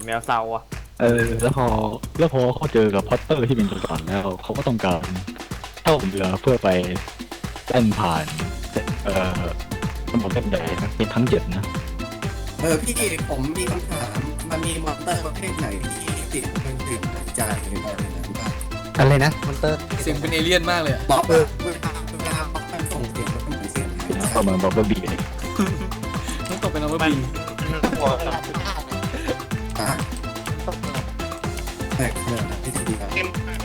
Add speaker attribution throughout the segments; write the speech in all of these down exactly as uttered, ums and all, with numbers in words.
Speaker 1: แมวเศร้าอ่ะ
Speaker 2: เออแล้วพอแล้วพอเขาเจอกับพอตเตอร์ที่เป็นตัวก่อนแล้วเขาก็ต้องการเช่าเรือเพื่อไปเล่นผ่านเอ่อสมุทรเส้นใหญ่นะเป็นทั้งเจ็ดนะ
Speaker 3: เออพี่ผมมีคำถามมันมีมอนเตอร์ประเภทไหนที่ติดเป็นติดหายใจอะไรนั้นบ้าง
Speaker 4: อะไรนะมอนเตอร์
Speaker 5: เสียงเป็นเอเลี่ยนมากเลยอะ
Speaker 3: บอกเออเวลาเวลามันส่งเสียงมันเหมือนเสียงหายใจ
Speaker 2: ประมาณบอกว่าบีเลย
Speaker 5: ต้องตกเป็นอัลเบอร์บี
Speaker 3: อ่ะแปลกเลยนะพี่ทีครับ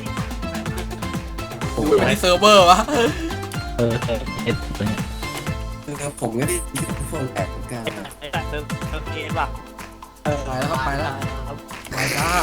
Speaker 5: ดูในเซิร์ฟเวอร์วะ
Speaker 2: เออเออเอสเนี่ย
Speaker 3: คือผมก็ได้ยินพวกแอบเหมือนกัน
Speaker 1: ไอ้แต่เติมเติมเกมป่ะ
Speaker 5: ไปแล้วครับไปแล้วไปจ้า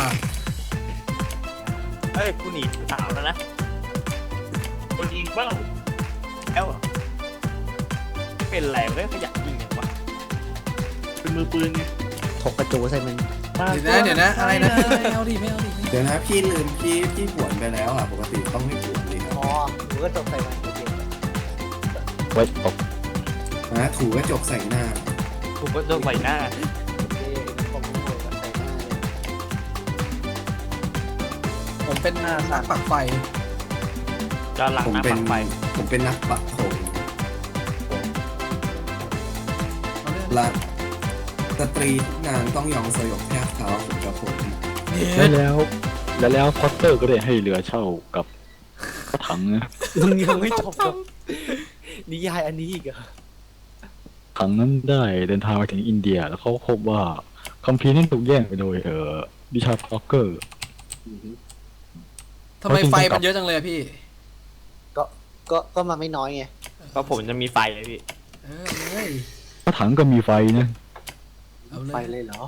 Speaker 1: เฮ้ยกูหนีสาวแล้วนะ
Speaker 6: คนยิงเป้า
Speaker 1: แล้วเป็นไรไม่ขยันยิงอย่างวะ
Speaker 6: เป็นมือปืนไง
Speaker 4: ถกกระจูใส่มัน
Speaker 5: เดี๋ยวนะเดี๋ยวนะอะไรนะไม่เอาดิไม่เอาดิ
Speaker 3: เดี๋ยวนะพี่ลืมพี่พี่ผวนไปแล้วอ่ะปกติต้องไม่ผวนเลยครับ
Speaker 4: อ๋อหนูก็จบใส่มันโอเค
Speaker 2: ไว้ตก
Speaker 3: นะถูกระจกใส่หน้า
Speaker 1: กูก็โดนใส่หน้า
Speaker 4: โอเคผมโดนใส่หน้าเลย
Speaker 5: ผมเป็นนักปักไฟ
Speaker 1: จอนหลัง
Speaker 3: ผม
Speaker 1: น้ำ
Speaker 3: เป็
Speaker 1: ปั
Speaker 3: น
Speaker 1: กไฟ
Speaker 3: ผมเป็นนักปักธง
Speaker 5: เอาเรื่อง
Speaker 3: และสตรีทุกงานต้องยอมสยบแทบเท้าผมกับผม
Speaker 5: เย็ด
Speaker 2: แล้วแล้วแล้วแล้วพอตเตอร์ก็ได้ให้เรือเช่ากับรถถังนะ
Speaker 4: มึงยังไม่จบกับนิยายอันนี้อีกเหรอ
Speaker 2: ถังนั้นได้เดินทางไปถึงอินเดียแล้วเขาพบว่าคัมภีร์นั้นถูกแย่งไปโดยเอ่อดิชาร์ดพอเกอร์
Speaker 5: ทำไมไฟมันเยอะจังเลยอะพี่
Speaker 4: ก็ก็ก็มาไม่น้อยไง
Speaker 1: ก็ผมจะมีไฟเลยพี่
Speaker 5: เออเลย
Speaker 2: รถถังก็มีไฟนะ
Speaker 5: เอาเล
Speaker 4: ไป
Speaker 5: ย
Speaker 4: เลยเหรอ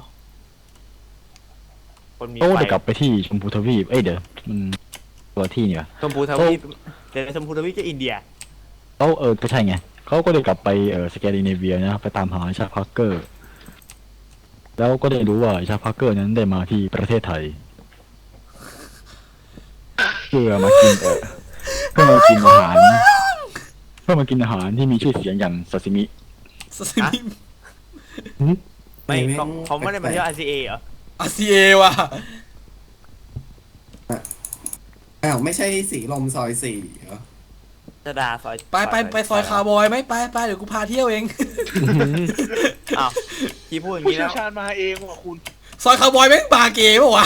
Speaker 1: คนมี
Speaker 2: เขา
Speaker 1: ไฟ
Speaker 2: ได้กลับไปที่ชมพูทวีปเอ้ยเดี๋ยวมันตัวที่นี่วะ
Speaker 1: ชมพูทวีปเดี๋ยวชมพูทวีปจะอินเดีย
Speaker 2: เขาเออก็ใช่ไงเขาก็ได้กลับไปเออสแกนดิเนเวียนะไปตามหาชาพาร์เกอร์ แล้วก็ได้รู้ว่าชาพาร์เกอร์นั้นได้มาที่ประเทศไทยเพื่อมากินเออเพื่อมากินอาหารเพื่อมากินอาหารที่มีชื่อเสียงอย่างซาซิมิ
Speaker 5: ซาซิมิ
Speaker 1: ไม่เขาเขาไม่ได้มาเที่ยว อาร์ ซี เอ เหรอ
Speaker 5: อาร์ซีเอว่ะ
Speaker 3: อ้าวไม่ใช่สีลมซอยสี่เหรอ
Speaker 1: จะดาซอย
Speaker 5: ไปไปไปซอยคาร์บอยไหมไปไปเดี๋ยวกูพาเที่ยวเอง
Speaker 1: อ้าวพี่พูดอย่าง
Speaker 6: ผู้
Speaker 1: นี้
Speaker 6: เชี่
Speaker 1: แล้
Speaker 6: ยว
Speaker 1: ว
Speaker 6: ชาญมาเองว่ะคุณ
Speaker 5: ซอยคาร์บอยแม่งบาร์เกย์ปะวะ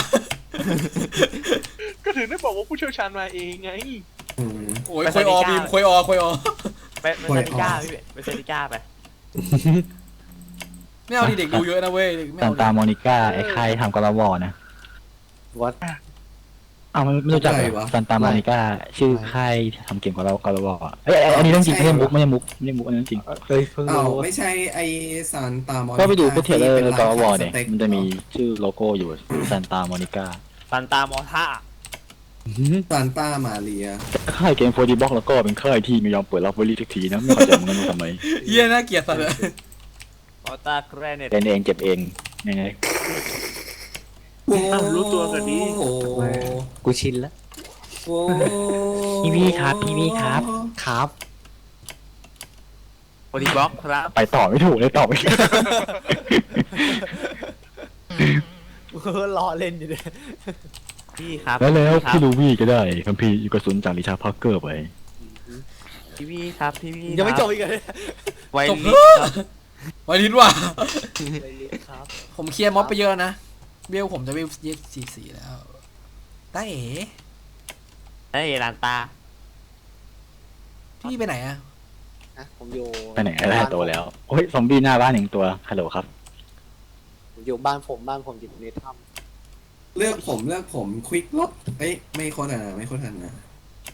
Speaker 6: ก็ถึงได้บอกว่าผู้เชี่ยวชาญมาเองไง
Speaker 3: อืม
Speaker 5: โอ้ยควยออบีมควยออควยออ
Speaker 1: ไปไปซาติก้าพี่ไปซาติก้าไป
Speaker 5: ไม่เอาดิเด็กดูเยอะนะเว้ยเด็กไม่
Speaker 2: ซาน
Speaker 5: เอาดิ
Speaker 2: ตามอนิก้าไอ้ค่ายทำกราวอนะ
Speaker 4: วัด
Speaker 2: อ้าวมันไม่รู้จักเหรอซานตามอนิก้าชื่อค่ายทำเก่งกว่ากราาวอเอ้ยอันนี้เรื่องจริงไม่ใช่มุกไม่ใช่มุกไม่ใช่มุกอันนั้นจริง
Speaker 4: เฮ้ยเพิ่ง
Speaker 3: อ้าว
Speaker 4: รู้
Speaker 3: ไม่ใช่ไอซานตามอนิ
Speaker 2: ก็ไปดูพวกเทเลอร์
Speaker 3: ที่
Speaker 2: กรา
Speaker 3: ป็
Speaker 2: วอ
Speaker 3: ร้
Speaker 2: เนี่ย
Speaker 3: ขายสต็ก
Speaker 2: มันจะมีชื่อโลโก้อยู่ซานตามอนิก้า
Speaker 1: ซันตามอท่า
Speaker 3: ซานต้ามาเรีย
Speaker 2: ค่ายเกมโฟร์ดีบ็อกแล้วก็เป็นค่ายที่ไม่ยอมเปิดรับบริทุกทีนะไม่เข้าใจเหมือนกันว่าทำไม
Speaker 5: เฮียน่าเกลียดสัตว์เลย
Speaker 1: มอตาแกรเนต
Speaker 2: เล่นเองเจ็บเองยังไง
Speaker 3: โอ้
Speaker 6: อ้าวรู้ตัวกันนี้
Speaker 3: โอ้
Speaker 4: กูชินแล้ว
Speaker 3: โอ้
Speaker 2: พี่พี่ครับพี่พี่ครับ
Speaker 4: ครับ
Speaker 1: โอดีบล็อกครับ
Speaker 2: ไปต่อไม่ถูกเลยต่อไม่ถูก
Speaker 4: รอเล่นอยู่เลย
Speaker 1: พี่ครับ
Speaker 2: แล้วแล้ว
Speaker 1: ครั
Speaker 2: พี่
Speaker 1: บ
Speaker 2: ลูวี่ก็ได้คัมภีร์กระสุนจากริชาร์ดพาร์เกอร์ไป
Speaker 1: พี่พี่ครับพี่พี่
Speaker 4: ยังไม่จบอีกเลย
Speaker 1: ไว
Speaker 5: จบ
Speaker 1: ลิ
Speaker 5: เถ
Speaker 1: ส
Speaker 5: อะไวลินว่ะ
Speaker 4: ครับ
Speaker 5: ผมเคลียร์ม็อบไปเยอะนะเบลผมจะเบลยี่สี่สี่แล้วตาเอ๋
Speaker 1: ไอ้ลานตา
Speaker 5: พี่ไปไหนอะ
Speaker 4: นะผมอยู่
Speaker 2: ไปไหนได้ตัวแล้วโอ้ยซอมบี้หน้าบ้านหนึ่งตัวฮัลโหลครับ
Speaker 4: ผมอยู่บ้านผมบ้านผมอยู่ในถ้
Speaker 3: เลือกผมเลือกผมควิกลบเอ้ยไม่โคตรอ่ะไม่โคตรทันนะ
Speaker 4: ำ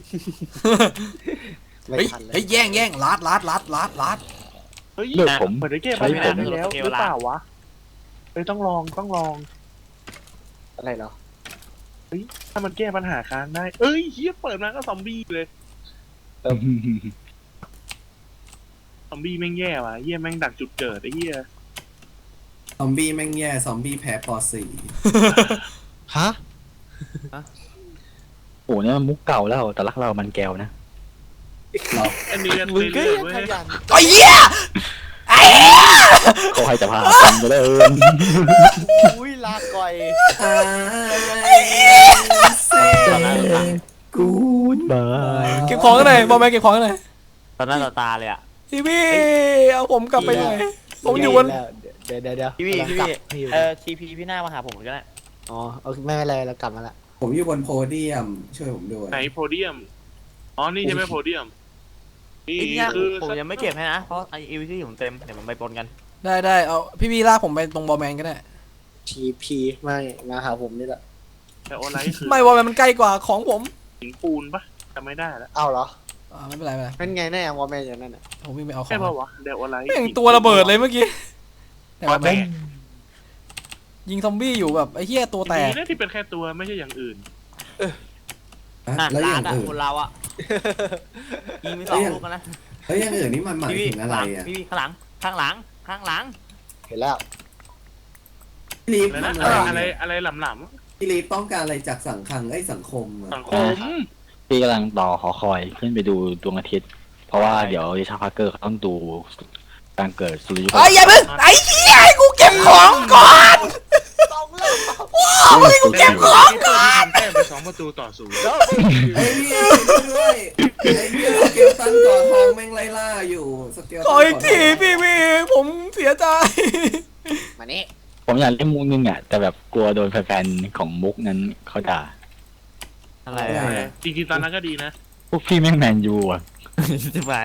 Speaker 4: ไม่
Speaker 5: เฮ้ย
Speaker 4: ทันเลย
Speaker 5: เฮ้ยแย่งแย่งลัดลัดลัดลัดลัด
Speaker 6: เฮ้ย
Speaker 2: เลือกผม
Speaker 6: เหมือนได้แก้
Speaker 2: ใช้
Speaker 6: ปัญ
Speaker 2: ผ
Speaker 6: หาม ได้แล้วหรือเปล่าวะเอ้ยต้องลองต้องลอง
Speaker 4: อะไรเหรอ
Speaker 6: ถ้ามันแก้ปัญหาค้างได้ เอ้ยเฮียเปิดมาก็ซอมบี้เลยซอมบี้แม่งแย่ว่ะเฮียแม่งดักจุดเกิดไอ้เฮีย
Speaker 3: ซอมบี้แม่งแย่ซอมบี้แพ้ปอสี่
Speaker 4: ฮะ
Speaker 2: โอ้เนี่ยมันมุกเก่าแล้วแต่รักเรามันแก้วนะ
Speaker 3: เรา
Speaker 6: อันนี้กัน
Speaker 4: มึงก็
Speaker 6: เรื่อย
Speaker 4: ยัง
Speaker 6: ๆเว้
Speaker 4: ข
Speaker 6: ย
Speaker 4: ยัน
Speaker 5: ไอ้เหี้ยอ่ะ
Speaker 2: เขาให้จะพากันจะเดิน
Speaker 4: อุ้ยลาก่อย
Speaker 3: ไอ้เซ่
Speaker 2: กูดบาย
Speaker 5: เก็บของกันหน่อยบอลแมนเก็บของกันหน่อย
Speaker 1: ตอนหน้าต่อตาเลยอ่ะ
Speaker 5: พี่พี่เอาผมกลับไปหน่อยผมอยู่บน
Speaker 4: เดี๋ยวเดี๋ยวเดี๋ยว
Speaker 1: พี่พี่พี่
Speaker 4: กลับ
Speaker 1: พี่
Speaker 4: พี่
Speaker 1: เออทีพีพี่หน้ามาหาผมก็ได้
Speaker 4: อ๋อโอเคไม่เป็นไรเรากลับมาละ
Speaker 3: ผมอยู่บนโพเดียมช่วยผมด้วย
Speaker 6: ไหนโพเดียม อ๋อ นี่ใช่ไหมโพเดียม นี่
Speaker 1: พี่หน้า
Speaker 6: คือ
Speaker 1: ผมยังไม่เก็บให้นะ เพราะไอเอวิที่ผมเต็ม เดี๋ยวผมไปปนกัน
Speaker 5: ได้ได้เอาพี่พี่ลากผมไปตรงบอลแมนก็ได้
Speaker 4: ทีพีไม่มาหาผมนี่แหละ
Speaker 6: แต่ออนไลน์คือ
Speaker 5: ไม่บอลแมนมันใกล้กว่าของผม
Speaker 6: หินปูนปะจำไม่ได้แล้ว
Speaker 4: เอ้าเหรอ
Speaker 5: อ่าไม่เป็นไรไม่เป็นไร
Speaker 4: นั่นไงแน่วอร์แมนอย่างนั้นอ่ะ
Speaker 5: ผมวิ่งไปเอาขอ
Speaker 6: ใช่
Speaker 5: ง
Speaker 6: ปะวะเดี๋ยวออนไลน์
Speaker 5: แม่งตัวระเบิดเลยเมื่อกี้แต่
Speaker 6: ตัว
Speaker 5: ว่า
Speaker 6: แตก
Speaker 5: ยิงซอมบี้อยู่แบบไอ้เหี้ยตัวแตก
Speaker 6: ดีนะที่เป็นแค่ตัวไม่ใช่อย่างอื่น
Speaker 3: อ่ะ
Speaker 1: อ่ะ
Speaker 3: แล้วอ
Speaker 1: ร้า
Speaker 3: ย่าน ง
Speaker 1: อ่ะ
Speaker 3: อื่น
Speaker 1: คนเราอ่ะยิงไปสองลูกกันนะ
Speaker 3: แล้วอย่างอื่นนี่มันหมาย
Speaker 1: พี่
Speaker 3: ถึงอะไรอ่ะ
Speaker 1: พี่ข้างหลัง ข้างหลัง ข้างหลัง
Speaker 4: เห็นแล้ว
Speaker 3: พี่ลีฟ
Speaker 6: แล้ว
Speaker 3: มั
Speaker 6: นะ
Speaker 3: น
Speaker 6: อะ
Speaker 3: อะไร ไร
Speaker 6: อะไรอะไรหลำ
Speaker 3: พี่ลีฟต้องการอะไรจากสังคังไอ้ยสังคมอะ
Speaker 6: ๆสังคม
Speaker 2: พี่กำลังต่อหอคอยขึ้นไปดูดวงอาทิตย์ เพราะว่าเดี๋ยวดิชาร์พาร์เกอร์เขาต้องดูการเกิดสุริยุป
Speaker 5: ไอ้ยอย่าเพิ่งไอ้เหี้ยให้กูเก็บของก่อน
Speaker 4: ต้องเล่น
Speaker 2: โอ้ยกู
Speaker 6: เก็บของก่อนแต้มไปสองประตูต่อศูนย์
Speaker 3: ไอ้พี่ด้วยไอ้พี่สเกลตันก่อทองแม่งไล่ล่าอยู่สเกลตัน
Speaker 5: ขออีกทีพี่พี่ผมเสียใจ
Speaker 4: มานี่
Speaker 2: ผมอยากเล่นมุกนึงอ่ะ แต่แบบกลัวโดนแฟนๆของมุกนั้นเขาด่า
Speaker 1: อะไร
Speaker 3: อะไร
Speaker 1: อ่ะ
Speaker 3: อะ
Speaker 6: จริงๆตอนนั้นก็ดีนะ
Speaker 2: พวกพี่แม่งแมนยูอ่ะ
Speaker 1: จะไป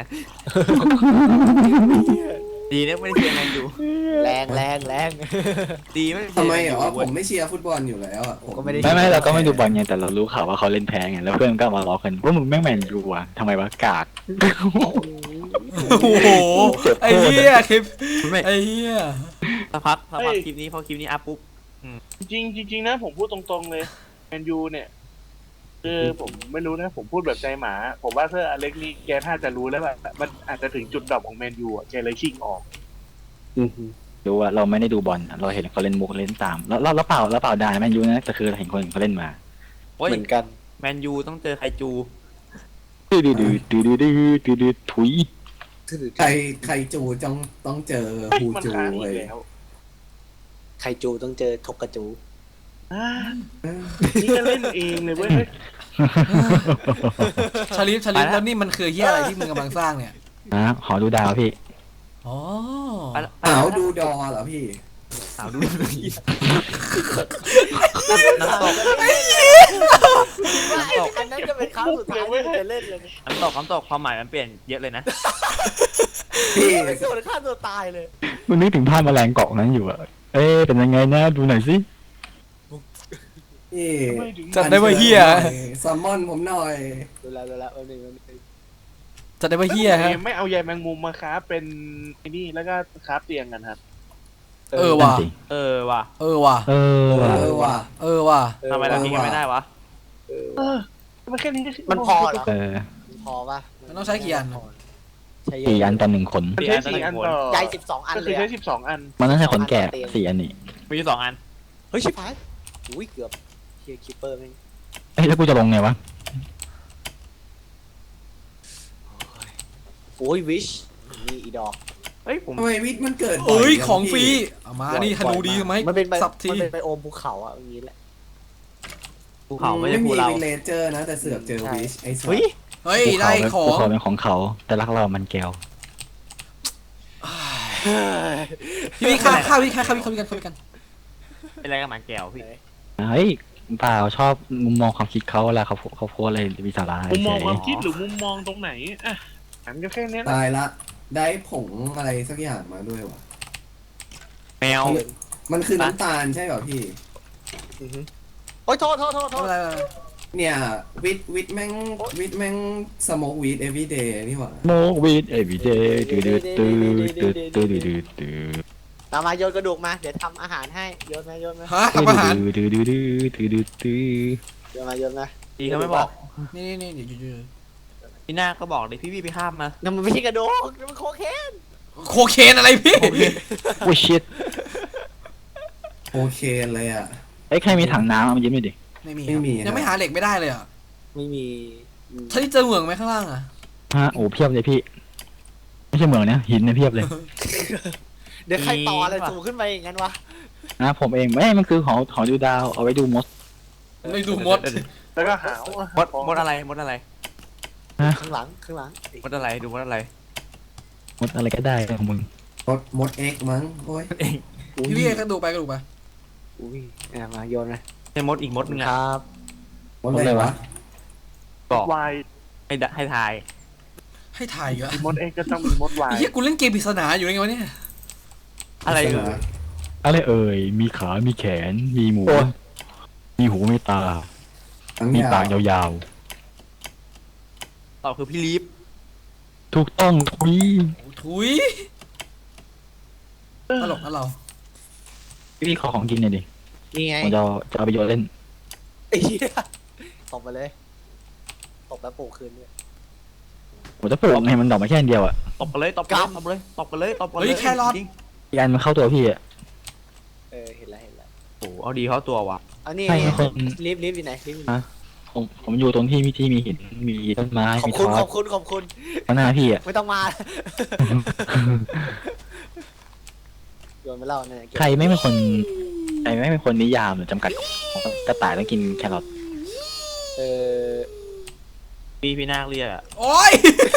Speaker 1: ดีนะไม่ได้เชียร์แมนยู
Speaker 4: แรงแรงแรง
Speaker 1: ดีไม่ได้เชีย
Speaker 3: ทำ
Speaker 1: ร์
Speaker 3: ไม
Speaker 1: แมน
Speaker 3: เหร
Speaker 1: ยู
Speaker 3: อผ
Speaker 1: เว้ย
Speaker 3: มไม่เชียร์ฟุตบอลอยู่แล้วอ่ะ
Speaker 4: ผมก็ไม่ได้
Speaker 2: ไม่ไม่เราก็ไม่ดูบอลไงแต่เรารู้ข่าวว่าเขาเล่นแพ้ไงแล้วเพื่อนก็มาล้อกันว่ามึงแม่งแมนยูอ่ะทำไมวะกาก
Speaker 5: โอ้โหไอ้เหี้ยคลิป
Speaker 1: ไม่
Speaker 5: ไอ้เหี้ย
Speaker 1: สักพักสักพัก
Speaker 6: เฮ้ย
Speaker 1: คลิปนี้พอคลิปนี้อัพปุ๊บ
Speaker 6: จริงๆจริงๆนะผมพูดตรงๆเลยแมนยูเนี่ยคือผมไม่รู้นะผมพูดแบบใจหมา ผมว่าเซอร์อเล็กนี่แกน่าจะรู้แล้วว่ามันอาจจะถึงจุดดรอปของแมนยูอ่ะแกเลยชิงออก
Speaker 2: ดูว่าเราไม่ได้ดูบอลอะเราเห็นเขาเล่นมุกเล่นตามแล้วแล้วเปล่าแล้วเปล่าด่าแมนยูนะแต่คือเราเห็นคนอื่นเขาเล่นมา
Speaker 1: โอ้ย
Speaker 4: เหมือนกัน
Speaker 1: แมนยูต้องเจอไคจู
Speaker 2: ดื้อดื้อดื้อดื้อดื้อดื้อดื้อดื้อถุย
Speaker 3: ใครใครจูต้องต้องเจอ
Speaker 6: เฮ้ย
Speaker 3: ฮู
Speaker 6: มัน
Speaker 3: จู
Speaker 6: ค้างอี
Speaker 3: เว้
Speaker 6: ก
Speaker 3: ย
Speaker 6: แล้ว
Speaker 4: ไคจูต้องเจอทกกระจู
Speaker 6: อ่านี่ก็เล่นเองเลยเว้ย
Speaker 5: ชาลิฟชาลิฟแล้วนี่มันคือเหี้ยอะไรที่มึงกำลังสร้างเนี่ย
Speaker 2: นะขอดูดาวพี่
Speaker 5: อ๋อ
Speaker 1: ไปละไป
Speaker 3: สา
Speaker 1: ละ
Speaker 3: วดูดอเหรอพี่
Speaker 1: สาวดูน้ำตก
Speaker 4: อันนั้นจะเป็นครั้งสุดท้ายที่จะเล่นเลย
Speaker 1: น้ำตกน้ำตกความหมายมันเปลี่ยนเยอะเลยนะ
Speaker 3: พี่
Speaker 4: ส่วนฆ่าตัวตายเลย
Speaker 2: มันนึกถึงภาพแมลงเกาะนั้นอยู่อะเอ๊ะเป็นยังไงนะดูหน่อยสิ
Speaker 3: พี่
Speaker 5: จัดได้ว่าเหี้ย
Speaker 3: ซัมมอนผมหน่อย
Speaker 4: ดูแลดูแลเออหนึ่งเออหนึ่ง
Speaker 5: จัดได้ว่าเหี้ยฮะ
Speaker 6: ไม่เอาใยแมงมุมมาค้าเป็นไอ้นี่แล้วก็ค้าเตียงกันครับ
Speaker 5: เออว่ะ
Speaker 2: นั่นสิ
Speaker 1: เออว่ะ
Speaker 5: เออว่ะ
Speaker 2: เออว่ะ
Speaker 3: เออว่ะ
Speaker 5: เออว่ะ
Speaker 1: ทำไมเราทิ้งกันไม่ได้วะ
Speaker 4: เออ
Speaker 6: เออมันแค่นี้
Speaker 4: มันพอเหรอ
Speaker 2: เออ
Speaker 4: มันพอปะ
Speaker 5: มันต้องใช้กี่อัน
Speaker 4: ใช้
Speaker 2: สี่อันต่อหนึ่งขน
Speaker 6: มันใช้สี่อันต่อ
Speaker 4: ใยสิบสองอัน
Speaker 6: ก็
Speaker 4: เล
Speaker 6: คือย ใช้
Speaker 4: อะ
Speaker 6: สิบสองอัน
Speaker 2: มันต้องใช้ขนแกะสี่อันนี่
Speaker 1: มีอยู่สองอัน
Speaker 4: เฮ้ยชิบหายอุ้ยเกือบเฮียคิปเปอร์แม่ง
Speaker 2: เอ้ยแล้วกูจะลงไงวะ
Speaker 4: โอ้ยวิชนี่อีดอก
Speaker 1: เฮ้ยผม
Speaker 3: ทำไมวิทย์มันเกิดบ่
Speaker 5: เอ้ย
Speaker 3: จั
Speaker 5: ของฟรี
Speaker 3: พี่
Speaker 5: เอามานี่ธนูดีไหม
Speaker 4: มันเป็นไป
Speaker 5: สับที
Speaker 4: มันเป็นไปโอมภูเขาอ่ะอย่างนี้แหละ
Speaker 1: ภูเขาไม่ใช่
Speaker 3: ไม่
Speaker 1: ภู
Speaker 3: มี
Speaker 1: เรา
Speaker 3: วิเลเจอร์นะ แต่เสือกเจอ
Speaker 4: ใช่
Speaker 3: วิชไอ้สัส
Speaker 1: เฮ้ย
Speaker 5: เฮ้ยได้ขอ
Speaker 2: ภู
Speaker 5: ง
Speaker 2: เขาเป็นของเขา แต่รักเรามันแก้ว
Speaker 5: พี่พี่ข้าวข้าวพี่ข้าวข้าวพี่ข้าวพี่กันข้าวพี่กัน
Speaker 1: เป็นอะไรกับหมาแก้วพี่
Speaker 2: เฮ้ยเปล่าชอบมุมมองความคิดเขาเวลาเขาเขาโพสอะไรมีสาระ
Speaker 6: มุมมอง
Speaker 2: เฉย
Speaker 6: ความคิดหรือมุมมองตรงไหนอ่ะหันก็แค่นี้นะ
Speaker 3: ตายละ ได้ผงอะไรสักอย่างมาด้วยวะ
Speaker 1: แมว
Speaker 3: มันคือน้ำตาลใช่เปล่าพี่
Speaker 4: โอ้ยโทษโทษโทษโท
Speaker 5: ไม่
Speaker 3: Ờ,
Speaker 4: ษ
Speaker 5: เป็นไรไม่เป็นไร
Speaker 3: เนี่ยวิทวิทแม่งวิทแม่งสโมกวีดเอวีเดย์นี่หว่า
Speaker 2: โมกวีดเอวีเดย์ดืดดืดดืดดืดดืดดืดดืดดืด
Speaker 4: ตามมาโยนกระดูกมาเดี๋ยวทำอาหารให้โยนมาโยนมา
Speaker 5: ฮะทำอาหาร
Speaker 2: ดืดดืดดืดดืดดืดดืด
Speaker 4: โยนมาโยนมา
Speaker 1: ดีเขาไม่บอก
Speaker 5: นี่นี่นี่เดี๋ยวเดี๋ยว
Speaker 1: พี่หน้าก็บอกเลยพี่พี่ไปข้ามมา
Speaker 4: นั่นมันไม่ใช่กระดูกนั่นมันโคเคน
Speaker 5: โคเคนอะไรพี่
Speaker 2: โอ้ชิต
Speaker 3: โอเคเลยอ่ะ
Speaker 2: ไอ้ใครมีถังน้ำเอามายิ้มหน่อยดิ
Speaker 5: ไม่มี
Speaker 3: ไม่มี
Speaker 5: ครับยังไม่หาเหล็กไม่ได้เลยอ่ะ
Speaker 4: ไม่มี
Speaker 5: ถ้าที่เจอเหมืองไหมข้างล่างอ่ะ
Speaker 2: ฮะโอ้เพียบเลยพี่ไม่ใช่เหมืองนะหินเนี่ยเพียบเลย
Speaker 4: เดี๋ยวใครต่ออะไรสูงขึ้นไปอย่างนั้นวะ
Speaker 2: นะผมเองไม่มันคือหอหอดูดาวเอาไว้ดูมด
Speaker 5: ไม่ดูมด
Speaker 6: แล้วก็หาม
Speaker 1: ดมดอะไรมดอะไร
Speaker 4: ข้างหลังข้างหลัง
Speaker 1: มดอะไรดูมดอะไร
Speaker 2: มดอะไรก็ได้ของมึง
Speaker 3: มดมดเอ็กมั้งโอ้ย
Speaker 1: เอง
Speaker 5: พี่พี่กระดูกไปกระดูกไป
Speaker 4: อุ้ยเอามาโยนเลย
Speaker 1: ใช่มดอีกมดนึง
Speaker 4: ค
Speaker 1: อะ
Speaker 4: รับ
Speaker 3: มดอะไรวะ
Speaker 1: บอก
Speaker 6: วาย
Speaker 1: ให้ดะให้ทาย
Speaker 5: ให้ถ่ายอีกเหรอ
Speaker 6: มีมดเอ็กก็ต้องมีมดวาย
Speaker 5: ไอ้เหี้ยกูเล่นเกมปริศนาอยู่ยังไงวะเนี่ย
Speaker 1: อะไร
Speaker 3: เสื
Speaker 1: เอ่ย
Speaker 2: อะไรเอ่ยมีขา มีแขน มีหมู มีหูมีตา
Speaker 3: ทั้ง
Speaker 2: มี
Speaker 3: ยา
Speaker 2: ปาก
Speaker 3: วย
Speaker 2: าว
Speaker 1: ตอบคือพี่ลีฟ
Speaker 2: ๆ ถูกต้องทุย
Speaker 5: โอ้ถุยตลกนะเรา
Speaker 2: พี่ขอของกินหน่อยดิ
Speaker 4: นี่ไง
Speaker 2: ผมจะเอาจะเอาไปโยนเล่น
Speaker 4: ไอ้เหี้ยตบไปเลยตบแล้วปลูกคืนด้วย
Speaker 2: ผมจะปลูกให้มันดอกมาแค่อันเดียวอ่ะ
Speaker 1: ตบกันเลยตบกันเลยตบกันเลยตบกันเลยตบกันเลย
Speaker 5: เฮ้ยแครอท
Speaker 1: จง
Speaker 2: อีกอันมันเข้าตัวพี่อ่ะ
Speaker 4: เออเห็นแล้วเห็นแล้ว
Speaker 1: โอ้โหเอาดีเข้าตัวว่ะ
Speaker 4: เอานี่
Speaker 2: ใช่คน
Speaker 4: รีบรีบอยู่ไหนรีบอยู่ไหน
Speaker 2: ฮะ ผมผมอยู่ตรงที่มีที่มีหิน มีต้นไม้
Speaker 4: ขอบ
Speaker 2: มี
Speaker 4: คุณ
Speaker 2: ทอ
Speaker 4: ข
Speaker 2: ส
Speaker 4: อบคุณขอบคุณ
Speaker 2: ข้างหน้าพี่อ่ะ
Speaker 4: ไม่ต้องมาโยนไปเล่าเนี่ยเก็บ
Speaker 2: ใครไม่เป็นคนใครไม่เป็นคนนิยามหรือจำกัดของกระต่ายต้องกินแครอท
Speaker 4: เออ
Speaker 1: พี่พี่นาคเรียกอะ
Speaker 5: โอ้ย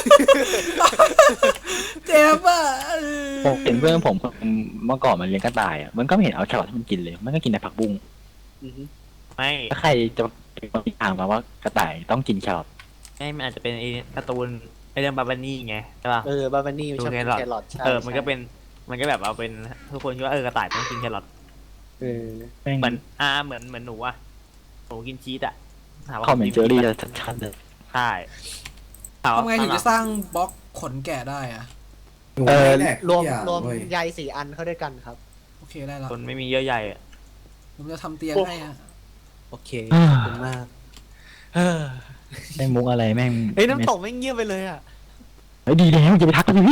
Speaker 5: เจ็บอ่ะ
Speaker 2: ผมเห็นเพื่อนผมเมื่อก่อนมันเลี้ยงกระต่ายอ่ะมันก็ไม่เห็นเอาแครอทให้มันกินเลย มันก็กินแต่ผักบุ้ง
Speaker 4: อือฮึ
Speaker 1: ไม่
Speaker 2: ถ้าใครจะเป็นคนที่อ่านมาว่ากระต่ายต้องกินแครอท
Speaker 1: ไม่มันอาจจะเป็นไอ้การ์ตูนไอ้เรื่องบาบานี่ไงใช่ป่ะ
Speaker 4: เออบาบานี่มันชอบกิน
Speaker 1: ดูแครอท
Speaker 4: แครอทใช่
Speaker 1: เออมันก็
Speaker 4: ใช่
Speaker 1: เป็นมันก็แบบเอาเป็นทุกคนคิดว่าเออกระต่ายต้องกินแครอท
Speaker 4: เออ
Speaker 2: แม่ง
Speaker 1: เหมือนอ่าเหมือนเหมือนหนูอะหนูกินชีสอะถามว่า
Speaker 2: คอมเมนต์เจอรี่จะชัดๆเลย
Speaker 1: ใช่ถามว่า
Speaker 5: ทำไงถึงจะสร้างบล็อกขนแกะได้อ่ะ
Speaker 3: หนู
Speaker 2: เออ
Speaker 3: ไม่แดก
Speaker 4: รวม
Speaker 3: ทุกอย่าง
Speaker 4: รวม
Speaker 3: เว้ย
Speaker 4: ใยสี่อันเข้าด้วยกันครับ
Speaker 5: โอเคได้ละ
Speaker 1: คนไม่มีเยอะใหญ่อะ
Speaker 5: ผมจะทำเตียงให้อ่ะ
Speaker 4: โอเค
Speaker 2: อ่า
Speaker 4: ขอบคุณมากเออ
Speaker 2: ได้มุกอะไรแม่ง
Speaker 4: เฮ้ยน้ำตกไม่เงียบไปเลยอ่ะ
Speaker 2: เฮ้ยดีแล้วจะไปทักกันพี่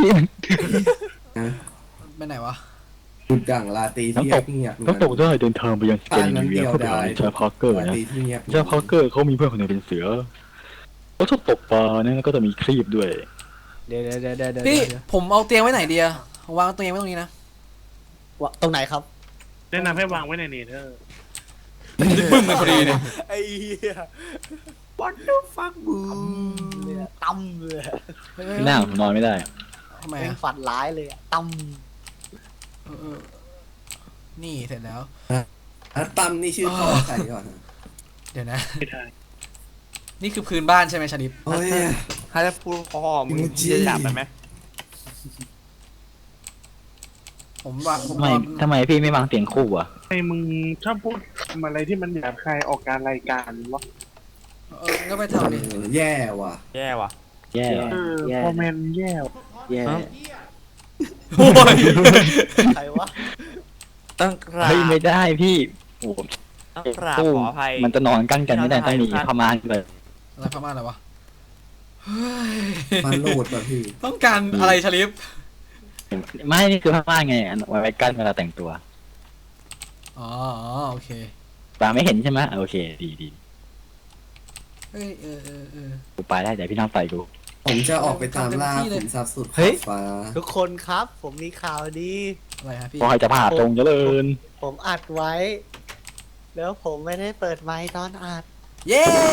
Speaker 5: ไปไหนวะ
Speaker 3: จุดด่างลาตีที่
Speaker 2: น้ำตก
Speaker 3: เงียบ
Speaker 2: น้ำตกได้เดินทางไปยังสเกนนิเวียเพื่อไปหาชาพาร์เกอร์
Speaker 3: ลา
Speaker 2: นะ
Speaker 3: ตีที่เงียบ
Speaker 2: ชาพาร์เกอร์เขามีเพื่อนคนหนึงเป็นเสือเขาชอบตกปลาเนี่ยแล้วก็จะมีครีบด้วย
Speaker 4: เดี๋ยวเดี๋ยวเดี๋ยวเดี๋ยวเดี๋ยว
Speaker 5: พี่
Speaker 4: เดี๋ยว
Speaker 5: ผมเอาเตียงไว้ไหนดีอะวางเตียงไว้ตรงนี้นะ
Speaker 4: วะตรงไหนครับ
Speaker 6: แนะนำให้วางไว้ในเนเธอร์
Speaker 5: บึ้มเลยพอดีเนี่ย
Speaker 4: ไอ้เหี้ย
Speaker 1: What the fuck บู
Speaker 4: เลยอะตั้มเลยอะ
Speaker 2: พี่หน้าผมนอนไม่ได้
Speaker 5: ทำไม
Speaker 4: แม่ง
Speaker 5: อะ
Speaker 4: ฝันร้ายเลยอะตั้ม
Speaker 5: เออเออนี่เสร็จแล้ว
Speaker 3: อ่ะตั้มนี่ชื่อพ่อใครก่อนนะ
Speaker 5: เดี๋ยวนะ
Speaker 6: ไม่ได้
Speaker 5: นี่คือพื้นบ้านใช่ไหมชาลิป
Speaker 3: โอ้ย
Speaker 1: ถ้าจะพูดพ่อมึง
Speaker 3: อิโมจิ
Speaker 1: จะจับไปไหม
Speaker 5: ผมวางผม
Speaker 2: ทำไม
Speaker 5: วาง
Speaker 2: ทำไมพี่ไม่วางเตียงคู่อ่ะ
Speaker 6: ไอ้มึงชอบพูดอะไรที่มันหยาบคายออกการรายการวะ
Speaker 5: เออก็ไปทำดิ
Speaker 3: เออแย่ว่ะ
Speaker 1: แย่ว่ะ
Speaker 2: แย่
Speaker 6: เออ
Speaker 4: แย่
Speaker 6: คอมเมนต์แย่
Speaker 4: แย่
Speaker 5: โอ้ย
Speaker 4: ใครวะ
Speaker 1: ต้องกราบ
Speaker 2: เฮ้ยไม่ได้พี่โอ้โห
Speaker 1: ต้องกราบ
Speaker 2: ตู้
Speaker 1: ขออภัย
Speaker 2: มันจะนอนกั้นกันไม่ได้ต้องมีพม่านเลย
Speaker 5: อะไรพม่าอะไรวะเฮ้ย
Speaker 3: มันโหลดป่ะพี่
Speaker 5: ต้องการอะไรชาลิป
Speaker 2: ไม่นี่คือพม่านไงอันไว้กั้นเวลาแต่งตัว
Speaker 5: อ๋ออ๋อโอเค
Speaker 2: ปาไม่เห็นใช่ไหมโอเค ดีดี
Speaker 5: เฮ้ยเออเออเออ
Speaker 2: กูไปได้แต่พี่น้องไปกู
Speaker 3: ผมจะออกไปตามล่า
Speaker 5: เต็มที่เลย
Speaker 3: ขุนทรัพย์สุด
Speaker 4: เฮ้ย
Speaker 3: ฟ้า
Speaker 4: ทุกคนครับ ผมมีข่าวดี
Speaker 5: อะไรฮะพี่
Speaker 2: ขอให้จะผ่าตรงเจริญ
Speaker 4: ผมอัดไว้ แล้วผมไม่ได้เปิดไมค์ตอนอัด
Speaker 5: เย้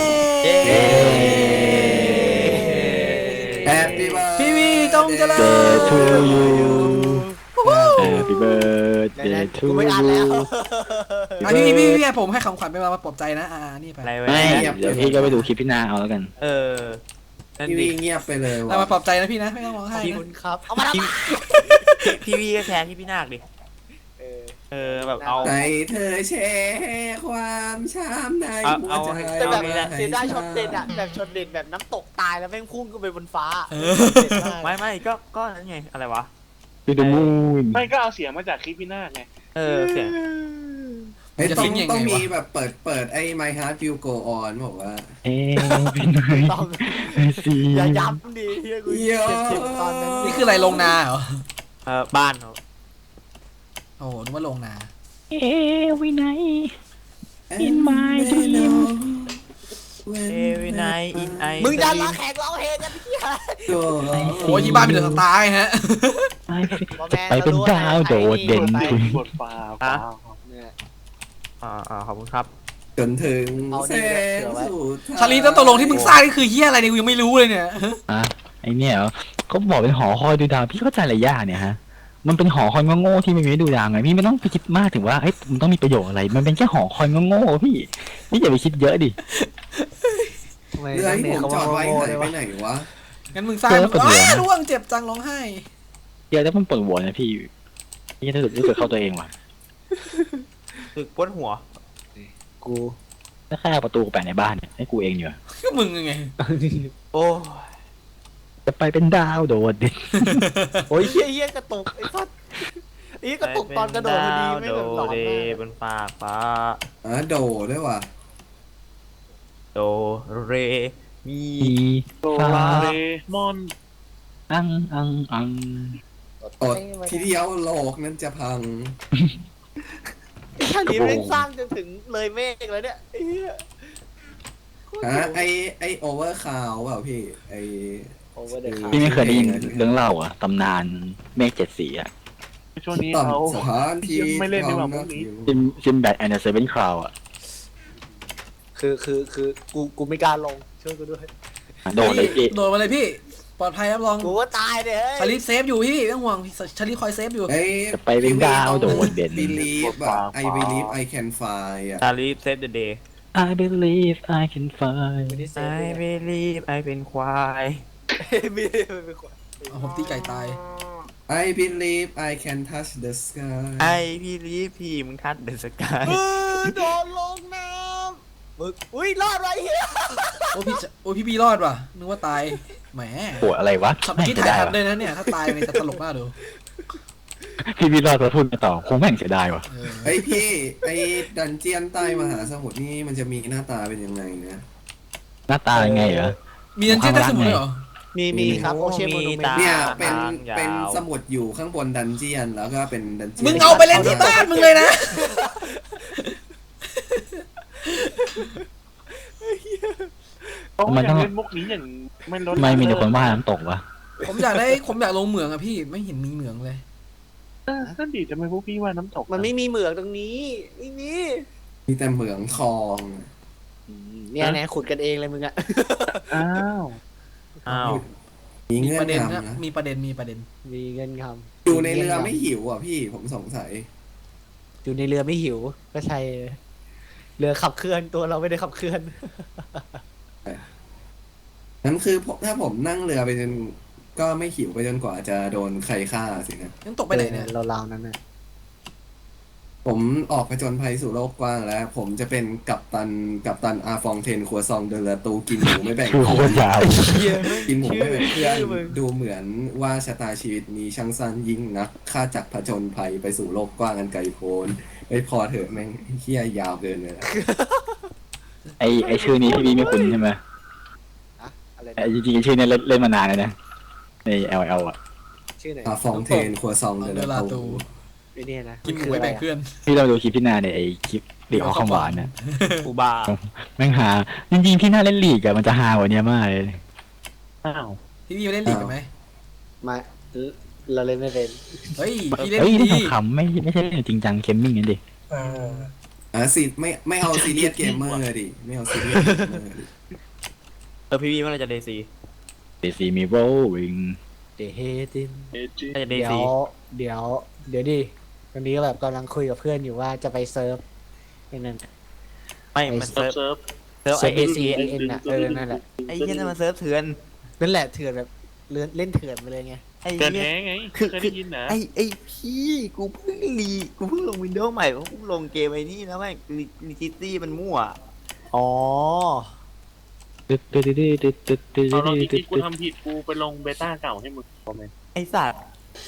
Speaker 3: แฮปปี้เบิร์ด
Speaker 5: พี่วีจงเจริญ
Speaker 2: Day to you Happy birthday to
Speaker 4: กูไม่อัดแล้ว
Speaker 2: you
Speaker 5: อ่ะพี่พี่พี่ผมให้ของขวัญไปมาปลอบใจนะอ่านี่ไป
Speaker 1: อะไรไว้
Speaker 2: ไม่เดี๋ยวพี่ก็ไปดูคลิปพี่นาเอาแล้วกัน
Speaker 1: เออนั่น
Speaker 3: พี่
Speaker 1: ดิ
Speaker 3: วีเงียบไปเลย
Speaker 5: เรามา
Speaker 3: ว่ะ
Speaker 5: ปลอบใจนะพี่นะไม่ต้องร้องไห้
Speaker 4: ขอบ
Speaker 5: นะ
Speaker 4: คุณครับ เอามาทำไม
Speaker 1: พี่วีก็แชร์ที่พี่นาคดิ
Speaker 4: เออ
Speaker 1: เออแบบเอา
Speaker 3: ใจเธอแชร์ความช้ำใน
Speaker 1: เอา
Speaker 3: หัว
Speaker 1: เอา
Speaker 3: ใจ
Speaker 4: แต่แบบ
Speaker 1: อางี้แหละ
Speaker 4: เสียดายช็อตเด็ดอะแบบช็อตเด็ดแบบน้ำตกตายแล้วแม่งพุ่งขึ้นไปบนฟ้า
Speaker 5: เออ
Speaker 4: เด็ดมาก
Speaker 1: ไม่ไม่ก็ก็นั่นไงอะไรวะ
Speaker 2: To the moon
Speaker 6: ไม่ก็เอาเสียงมาจากคลิปพี่นาคไง
Speaker 1: เออเสียง
Speaker 3: เฮ้ย
Speaker 5: จะ
Speaker 3: ต้อ
Speaker 5: ทิ้
Speaker 3: ง
Speaker 5: งยังไง
Speaker 3: ต้องมี
Speaker 5: วะ
Speaker 3: แบบเปิดเปิดไอ้ My Heart Will Go On บอกว่า
Speaker 2: เอ้พี่นาย
Speaker 4: ต้อง
Speaker 2: ไอ้ซี
Speaker 4: อย่าย้ำดิเฮียกู
Speaker 3: เยอะ
Speaker 4: เจ็บๆตอนนั้น
Speaker 5: นี่คืออะไรลงนาเหรอ
Speaker 1: เออบ้านเขา
Speaker 5: โอ้โหนึกว่าลงนา
Speaker 2: เอ้วินัย In my dream
Speaker 1: every night in I
Speaker 4: มึงดันละแขกร้องเพลงกันพี่ฮะ
Speaker 3: โอ้
Speaker 5: โอ้ยที่บ้านเป็นเดือดตายฮะ
Speaker 2: ไปเป็นดาวโดดเด่น
Speaker 6: บ
Speaker 2: คุ
Speaker 6: ท
Speaker 2: ณ
Speaker 6: บทฟ้าฟ้า
Speaker 4: เนี่ย
Speaker 1: อ่าอ่าขอบคุณครับ
Speaker 3: จนถึง
Speaker 4: เอา
Speaker 3: แส
Speaker 4: นี่
Speaker 3: ง
Speaker 4: เผื่อไว้
Speaker 3: สุดท้าย
Speaker 5: ชาลีแล้วตกลงที่มึงสร้างนี่คือเฮียอะไรเนี่ยกูยังไม่รู้เลยเนี่ย
Speaker 2: อ่ะไอเนี่ยเหรอเขาบอกเป็นหอคอยดูดาวพี่เข้าใจอะไรยากเนี่ยฮะมันเป็นหอคอยโง่ๆที่ไม่มีให้ดูดาวไงพี่ไม่ต้องไปคิดมากถึงว่าเอ้ยมันต้องมีประโยชน์อะไร มันเป็นแค่หอคอยโง่ๆพี่พี่อย่าไปคิดเยอะดิ
Speaker 4: ทำไม
Speaker 3: เรือที่ผมจอดไว้
Speaker 4: โง่
Speaker 3: หาย
Speaker 4: เล
Speaker 3: ไป
Speaker 4: วะ
Speaker 3: ไหนวะ
Speaker 5: งั้นมึงสร้างมึงอ้าร่วงเจ็บจังร้องไห้
Speaker 2: เดี๋ยวแล้วมันปวดหัวนะพี่พี่จะรู้สึกรู้สึกเข้าตัวเองว่ะ
Speaker 1: ตึกปวดหัว
Speaker 4: กู
Speaker 2: ถ้าแค่เอาประตูแปะในบ้านเนี่ยให้กูเองอยู่อะ
Speaker 5: ก็มึงไง
Speaker 1: โอ้
Speaker 2: จะไปเป็นดาวโดดเด่น
Speaker 4: โอ้ยเฮี้ยเฮี้ยกระตุกไอ้สัสไอ้กระตุกตอนกระโดดพอดีไม่
Speaker 1: โด
Speaker 4: แบบหลอน
Speaker 1: เด
Speaker 4: มาก
Speaker 1: บนฟ้ากฟ้า
Speaker 3: อ่ะโดด้วยว่ะ
Speaker 1: โดเรมี
Speaker 2: มี
Speaker 6: โด
Speaker 2: ฟ้า
Speaker 6: ราเรมอน
Speaker 2: อังอังอัง
Speaker 3: ตดทีเดียวโลกนั้นจะพัง
Speaker 4: ไอ้ท่านนี้แม่งสร้างจนถึงเลยเมฆแล้วเนี่ยไอ้เหี้ย
Speaker 3: ฮะไอไอโอเวอร์คาวเปล่าพี่ไอ
Speaker 4: โอเวอร์เดอะคา
Speaker 2: พี่ไม่เคยได้ยินเรื่องเล่าอ่ะตำนานเมฆเจ็ดสีอ่ะ
Speaker 6: ช่วงนี้
Speaker 3: ต่
Speaker 6: เขา
Speaker 3: ำสถานที่
Speaker 6: ยังไม่เล่นดีกว่าพวกนี้
Speaker 2: ซิมซิมแบทแอนด์เซเว่นคราวอ่ะ
Speaker 4: คือคือคือกูกูไม่กล้าลงช่วยกูด้วย
Speaker 2: โดดเลยพี่
Speaker 5: โดดมาเลยพี่ ปลอดภัยรับรอง
Speaker 4: กูว่าตายเลยเฮ้ย
Speaker 5: ชาลีเซฟอยู่พี่ไม่ต้องห่วงชาลีคอยเซฟอยู่
Speaker 3: ไอ
Speaker 2: จะไปเป็นดาวโดดเด่น
Speaker 3: บิลีฟอะ I believe I can fly อะ
Speaker 1: ชาลีเซฟเดอะเดย์
Speaker 2: I believe I can fly
Speaker 4: ไม่ได้เซฟ
Speaker 1: I
Speaker 4: เลย
Speaker 1: believe I เป็นควาย
Speaker 4: ไม่ได้เป็นคน
Speaker 5: เอาผมตีไก่ตาย
Speaker 3: I believe I can touch the sky
Speaker 1: I believe พี่มึงทัดเดอะสกาย
Speaker 4: เออโดนลงน้ำมึงอุ้ยรอดไรเฮีย
Speaker 5: โอ้พี่จะโอ้พี่บีรอดว่ะนึกว่าตายแหม
Speaker 2: ปวดอะไรวะ
Speaker 5: ขับ
Speaker 2: ไม่
Speaker 5: คิด
Speaker 2: เสีย
Speaker 5: ถ่าย
Speaker 2: ดาย
Speaker 5: ทัน
Speaker 2: วะ
Speaker 5: เลยนะเนี่ยถ้าตายไปจะตลกมากดู
Speaker 2: พี่วิโรอดจะพูดไม่ต่อคงแม่งเสียดายวะ
Speaker 5: เออ
Speaker 3: ไอยพี่ไอดันเจียนใต้มหาสมุทรนี่มันจะมีหน้าตาเป็นยังไงนะ
Speaker 2: หน้าตายังไงเหรอ
Speaker 5: มีนันเจี้ยนได้สมุนเลยเหรอ
Speaker 4: มีมีครับโอเชียนโมนูเมนต์
Speaker 3: เนี่ยเป็น
Speaker 1: ทางยาว
Speaker 3: เป็นสมุดอยู่ข้างบนดันเจียนแล้วก็เป็นดันเจียน
Speaker 5: มึงเอาไปเล่นที่บ้านมึงเลยนะ
Speaker 6: เขาอยากเล่นมุกนี้อย่างไม่ลด
Speaker 2: ทำไมมีแต่คนว่าน้ำตกวะ
Speaker 5: ผมอยากได้ผมอยากลงเหมืองอะพี่ไม่เห็นมีเหมืองเลย
Speaker 6: เออนั่นดีจะไม่พวกพี่ว่าน้ำตก
Speaker 4: มันไม่มีเหมืองตรงนี้ไม่มี
Speaker 3: มีแต่เหมืองทอง
Speaker 4: เนี่ยแน่ขุดกันเองเลยมึงอะ
Speaker 6: อ้าว
Speaker 1: อ้าว
Speaker 3: มี
Speaker 5: มี
Speaker 3: เงื่อ
Speaker 5: ประ
Speaker 3: น
Speaker 5: เด็น
Speaker 3: งำ
Speaker 5: นะ
Speaker 3: นะ
Speaker 5: มีประเด็นมีประเด็น
Speaker 4: มีเงินคำ
Speaker 3: อยู่ในเรือไม่หิวอ่ะพี่ผมสงสัย
Speaker 4: อยู่ในเรือไม่หิวก็ใช่เรือขับเคลื่อนตัวเราไม่ได้ขับเคลื่อน
Speaker 3: นั่นคือผมถ้าผมนั่งเรือไปจนก็ไม่หิวไปจนกว่าจะโดนใครฆ่าสินะ
Speaker 5: งั้นตกไปไหนเนี่ย
Speaker 4: เราราวๆนั้นน่ะ
Speaker 3: ผมออกผจญภัยสู่โลกกว้างแล้ว ผมจะเป็นกัปตันกัปตันอาฟองเทนครัวซองเดลตูกินหมูไม่แบ่ง
Speaker 2: คือโคตรยาว
Speaker 3: กินหมูไม่แบ่งเพื่อนดูเหมือนว่าชะตาชีวิตมีช่างสั้นยิ่งนักข้าจักผจญภัยไปสู่โลกกว้างอันไกลโพ้นไม่พอเถอะแม่งเฮี้ยยาวเกินเลยนะ
Speaker 2: ไอไอชื่อนี้พี่บีไม่คุ้นใช่ไหม
Speaker 4: อะอะไร
Speaker 2: ไอจริงๆชื่อนี้เล่นเล่นมานานเลยนะใน แอล แอล อ่ะ
Speaker 4: ชื่อไหน
Speaker 3: อาฟองเทนครัวซองเด
Speaker 5: เด
Speaker 3: ล
Speaker 5: ลา
Speaker 3: ตู
Speaker 5: ตู
Speaker 4: ไอ้เนี่ยนะ
Speaker 5: กินหมูไว้แบ่งเพื่อน
Speaker 2: พี่เราดูคลิปพี่นาในไอคลิปลีกออของหวานนะ
Speaker 1: อูบา
Speaker 2: แม่งหาจริงๆพี่น่าเล่นลีกอะมันจะหากว่านี้มากเลย
Speaker 6: อ้าว
Speaker 5: พี่บีมาเล่นลีกกันไหม
Speaker 4: มาเราเล่นไม่เป็น
Speaker 5: เฮ้ยพี่เล่น
Speaker 2: เฮ้ย
Speaker 5: ดี
Speaker 2: เล่นขำๆไม่ไม่ใช่เล่นจริงจังเคมมิ่งนั่นดิ
Speaker 3: อ่ะสิไม่ไม่เอาซีเรียสเกมเมอร์ดิไม่เอาซีเรียสเกมเมอร์ดิ
Speaker 1: เออพี่วีเมื่อไหรจะเดซี
Speaker 2: เดซีมีโรวิง
Speaker 4: เดเฮติน
Speaker 6: เอจิ
Speaker 1: น่าจะเด
Speaker 4: เดี๋ย
Speaker 1: ซี
Speaker 4: วเดี๋ยวเดี๋ยวดิตอนนี้แบบกำลังคุยกับเพื่อนอยู่ว่าจะไปเซิร์ฟไอ้นั่น
Speaker 1: ไม่มัน
Speaker 6: เซิ
Speaker 1: เซิ
Speaker 6: ร์
Speaker 1: ร์
Speaker 6: ฟ
Speaker 1: ฟ
Speaker 6: เซิร์ฟ
Speaker 1: เซิร์ฟ
Speaker 4: เซิ
Speaker 1: ไอ
Speaker 4: ร์ฟ
Speaker 1: เอ
Speaker 4: A
Speaker 1: ซี
Speaker 4: C N N น่ะเออนั่นแหละ
Speaker 1: ไอ้เหี้ยนั่นมันเซิร์ฟเถื่อน
Speaker 4: นั่นแหละเถื่อนแบบเล่นเล่นเถื่อนไปเลยไง
Speaker 1: ไอ้
Speaker 6: เกิน
Speaker 1: เหี้ย
Speaker 6: แท้ไง
Speaker 1: คือ
Speaker 6: เคยได้ยินนะ
Speaker 1: ไอ้ไอ้พี่กูเพิ่งรีกูเพิ่งลงวินโดว์ใหม่กูเพิ่งลงเกมไอ้นี่แล้วแม่งลิจิตี้มันมั่ว
Speaker 4: อ๋อ
Speaker 2: ตึ๊ดตึ๊ดตึ๊ดตึ๊ดตึ๊ดตึ๊ด
Speaker 6: เอาเรา
Speaker 2: ตึ๊
Speaker 6: ที่
Speaker 2: ด
Speaker 6: กูทำผิดกูไปลงเบต้าเก่าให้มึงคอมเมนต์
Speaker 1: ไอ้สัตว์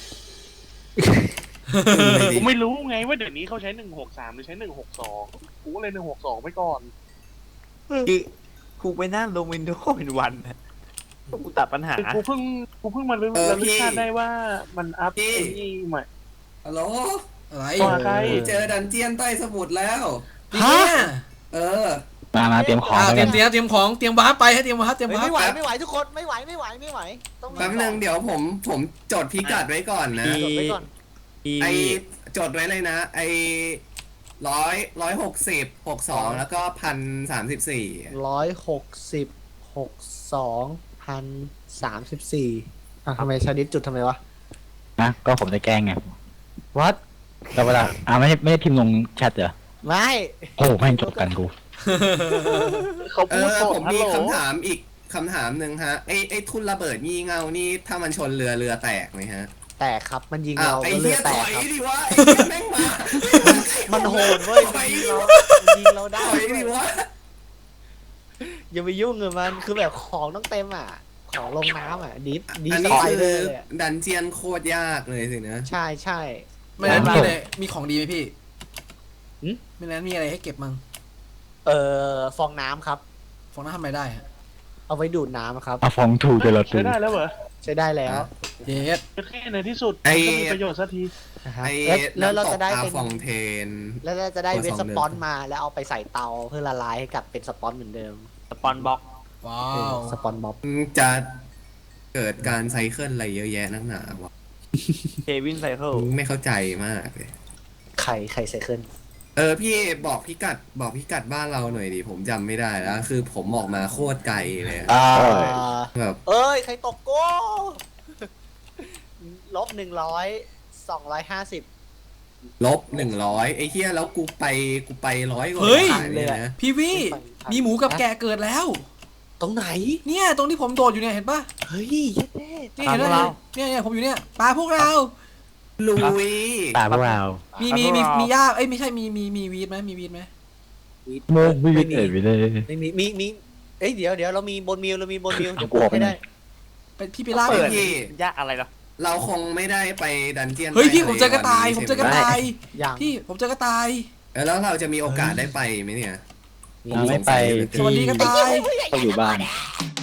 Speaker 6: กูไม่รู้ไงว่าเดี๋ยวนี้เขาใช้หนึ่งหกสามหรือใช้หนึ่งหกสองกูก็เลยหนึ่งหกสองไปก่อน
Speaker 1: คือกูไปนั่งลงวินโดว์เป็นวันนะกูตัดปัญหา
Speaker 6: คือกูเพิ่งกูเพิ่งมารู้แล้วรู้ชาติได้ว่ามันอัพไอ้นี่ใหม่
Speaker 3: ฮัลโหล
Speaker 5: อะไร
Speaker 6: ต่อใคร
Speaker 3: เจอดันเจียนใต้สมุทรแล้ว
Speaker 5: ฮะ
Speaker 3: เออ
Speaker 2: มมามาเตรียมของ
Speaker 5: อ่า
Speaker 2: แล้ว
Speaker 5: เตรี
Speaker 2: กั
Speaker 5: ยม
Speaker 2: น
Speaker 5: เตรียมเตรียมของเตรียมวาร์ปไปให้เตรียมวาร์ปเตรียม
Speaker 4: เฮ้ยว
Speaker 5: าร์
Speaker 4: ไม่
Speaker 5: ป
Speaker 4: ไหวไม่ไหวทุกคนไม่ไหวไม่ไหวไม่ไหวต้องมี
Speaker 3: แป๊บนึงเดี๋ยวผมผมจดพิกัดไว้ก่อนนะ
Speaker 4: จดไว้ก่อน
Speaker 3: ไอจดไว้เลยนะ ไอร้อยร้อยหกสิบหกสองแล้วก็พันสามสิบสี่
Speaker 4: ร้อยหกสิบหกสองพันสามสิบสี่อ่ะทำไมชาดิสจุดทำไมวะ
Speaker 2: นะก็ผมจะแกล้งไง
Speaker 4: วัด
Speaker 2: แล้วเวลาอ่าไม่ได้ไม่ได้พิมพ์ลงแชทเหรอ
Speaker 4: ไม่
Speaker 2: โอ้แม่งจบกันกู
Speaker 6: เขา
Speaker 3: เอ
Speaker 6: พูด
Speaker 3: อ
Speaker 6: โกร
Speaker 3: ผ
Speaker 6: ธ
Speaker 3: ม
Speaker 6: ฮัล
Speaker 3: มี
Speaker 6: โหล
Speaker 3: คำถามอีกคำถามหนึ่งฮะไอไอทุนระเบิดงี่เง่านี่ถ้ามันชนเรือเรือแตกไหมฮะ
Speaker 4: แตกครับมันยิง
Speaker 3: อ้า
Speaker 4: เรา
Speaker 3: วไอ
Speaker 4: ก็เล
Speaker 3: เหี้
Speaker 4: ย
Speaker 3: ย
Speaker 4: แต
Speaker 3: ถ
Speaker 4: ก
Speaker 3: อย
Speaker 4: ครับ
Speaker 3: ดิวะไอเหี้ยแม่งมา
Speaker 4: มันโหดเว้ย
Speaker 3: ถ
Speaker 4: มั
Speaker 3: อน ย
Speaker 4: ยิง
Speaker 3: ดิ
Speaker 4: เรา
Speaker 3: วะ
Speaker 4: มันยิงเราได้
Speaker 3: ถอยดิวะ
Speaker 4: อย่าไปยุ่งกับมันคือแบบของต้องเต็มอ่ะ ของลงน้ำอ่ะดิฟดิฟ
Speaker 3: อัน
Speaker 4: ส
Speaker 3: นี้
Speaker 4: ไป
Speaker 3: คื
Speaker 4: เดอ
Speaker 3: อ
Speaker 4: ร์เลยอะ
Speaker 3: ดันเจียนโคตรยากเลยสินะ
Speaker 4: ใช่ใช่
Speaker 5: ไม่นั้น
Speaker 2: ครั
Speaker 5: มี
Speaker 2: บ
Speaker 5: อะไรมีของดีไหมพี่
Speaker 4: หืม
Speaker 5: ไม่นั้นมีอะไรให้เก็บมั้ง
Speaker 4: เออฟองน้ำครับ
Speaker 5: ฟองน้ำทำอะไรได้ฮะ
Speaker 4: เอาไว้ดูดน้ำครับ
Speaker 2: เอาฟองถูเจลาตู
Speaker 6: ใช้ได้แล้วเหรอ
Speaker 4: ใช้ได้แล้ว
Speaker 5: เย็ด
Speaker 6: แค่ในที่สุด
Speaker 3: ไอ้
Speaker 6: มันก็มีประโยชน์สักที
Speaker 4: นะฮะ
Speaker 3: ไอ
Speaker 4: แล้วแล้วเรา
Speaker 3: น้ำต
Speaker 4: จะ
Speaker 3: ก
Speaker 4: ได้
Speaker 3: อา
Speaker 4: เป็น
Speaker 3: ฟองเทน
Speaker 4: แล้วเราจะได้
Speaker 3: ตัว
Speaker 4: เวส
Speaker 3: สอง
Speaker 4: ส
Speaker 3: เดือน
Speaker 4: ปอนมาแล้วเอาไปใส่เตาเพื่อละลายให้กลับเป็นสปอนเหมือนเดิม
Speaker 1: สปอนบ็อก
Speaker 5: ว้า
Speaker 4: เออ
Speaker 5: ว
Speaker 4: สปอนบ๊อบ
Speaker 3: จะเกิดการไซเคิลอะไรเยอะแยะนักหนาวะ
Speaker 1: เควินไซเคิล
Speaker 3: ไม่เข้าใจมากเลย
Speaker 4: ไข่ไข่ไซเคิล
Speaker 3: เออพี่บอกพิกัดบอกพิกัดบ้านเราหน่อยดิผมจำไม่ได้แล้ว คือผมออกมาโคตรไกลเลยอะ
Speaker 4: อ่า
Speaker 3: แบบ
Speaker 4: เอ้ย ใครตกโก้ ลบหนึ่งร้อยสองร้อยห้าสิบ
Speaker 3: ลบหนึ่งร้อยไอ้เหี้ยแล้วกูไปกูไปร้อยกว่า
Speaker 5: เฮ้ย
Speaker 3: บาทเลยนะ
Speaker 5: พี่วี่มีหมูกับแกะเกิดแล้ว
Speaker 4: ตรงไหน
Speaker 5: เนี่ยตรงที่ผมโดดอยู่เนี่ยเห็นปะ
Speaker 4: เฮ้ยเย็ดแน่
Speaker 5: นี่เห็นไหมเนี่ยเนี่ยผมอยู่เนี่ยปลาพวกเรา
Speaker 3: ลุย
Speaker 2: ตาพวกเรา
Speaker 5: มีมีมีมีหญ้าเอ้ยไม่ใช่มีมีมีวีดไหมมีวีดไหม
Speaker 2: โมวิดเอ็ดวิดเลย
Speaker 4: ไม่มีมีมีเอ้ยเดี๋ยวเดี๋ยวเรามีบนมิวเรามีบนมิว
Speaker 2: เอา
Speaker 4: จะ
Speaker 2: กู
Speaker 4: ปลู
Speaker 2: ออก
Speaker 4: ก
Speaker 2: ไป
Speaker 4: ให้
Speaker 2: หน่
Speaker 4: ได้
Speaker 2: อย
Speaker 5: ไปพี่ไปล่า
Speaker 3: เปิด
Speaker 5: พี่
Speaker 3: พี่
Speaker 1: ยากอะไรหรอ
Speaker 3: เราคงไม่ได้ไปดันเจียน
Speaker 5: เฮ้ยพี่
Speaker 3: ใต้
Speaker 5: ผมเจอกระต่าย
Speaker 3: วั
Speaker 5: ผม
Speaker 3: นนี้
Speaker 5: เจอกระต่าย
Speaker 4: อย่าง
Speaker 5: พี่ผมเจอกระต่าย
Speaker 3: เออแล้วเราจะมีโอกาสได้ไปไหมเนี่ย
Speaker 2: เราไม่ไป
Speaker 5: สวัสดีกระต่าย
Speaker 2: ต้องอยู่บ้าน